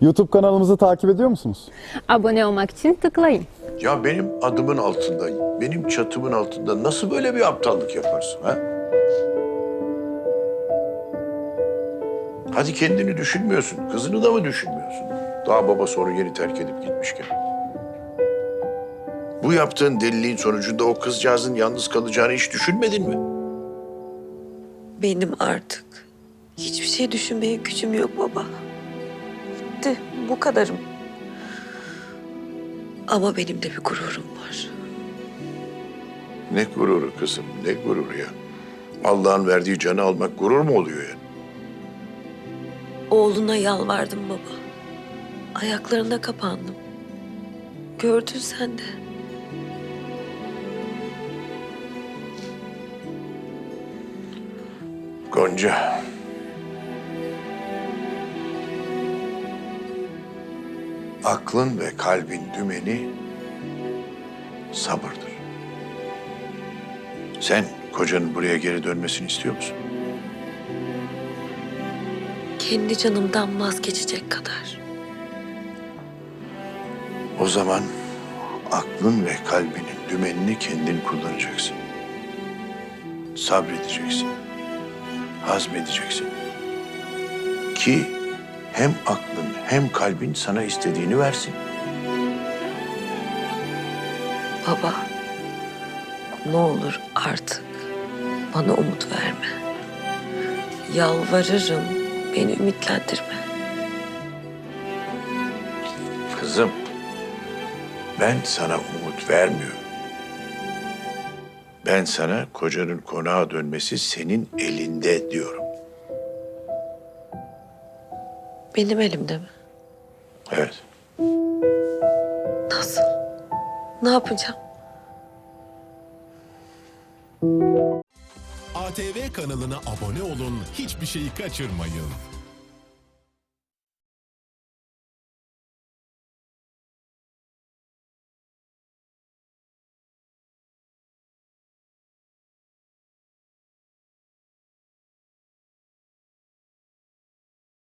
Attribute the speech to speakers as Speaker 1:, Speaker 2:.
Speaker 1: YouTube kanalımızı takip ediyor musunuz?
Speaker 2: Abone olmak için tıklayın.
Speaker 3: Ya benim adımın altında, benim çatımın altında nasıl böyle bir aptallık yaparsın ha? Hadi kendini düşünmüyorsun, kızını da mı düşünmüyorsun? Daha babası onu yeni terk edip gitmişken. Bu yaptığın deliliğin sonucunda o kızcağızın yalnız kalacağını hiç düşünmedin mi?
Speaker 4: Benim artık hiçbir şey düşünmeye gücüm yok baba. Bitti, bu kadarım. Ama benim de bir gururum var.
Speaker 3: Ne gururu kızım, ne gururu ya? Allah'ın verdiği canı almak gurur mu oluyor yani?
Speaker 4: Oğluna yalvardım baba. Ayaklarına kapandım. Gördün sen de.
Speaker 3: Gonca. Aklın ve kalbin dümeni sabırdır. Sen kocanın buraya geri dönmesini istiyor musun?
Speaker 4: Kendi canımdan vazgeçecek kadar.
Speaker 3: O zaman aklın ve kalbinin dümenini kendin kullanacaksın. Sabredeceksin. Hazmedeceksin. Ki hem aklın hem kalbin sana istediğini versin.
Speaker 4: Baba, ne olur artık bana umut verme. Yalvarırım, beni ümitlendirme.
Speaker 3: Kızım, ben sana umut vermiyorum. Ben sana kocanın konağa dönmesi senin elinde diyorum.
Speaker 4: Benim elimde mi?
Speaker 3: Evet.
Speaker 4: Nasıl? Ne yapacağım?
Speaker 5: ATV kanalına abone olun, hiçbir şeyi kaçırmayın.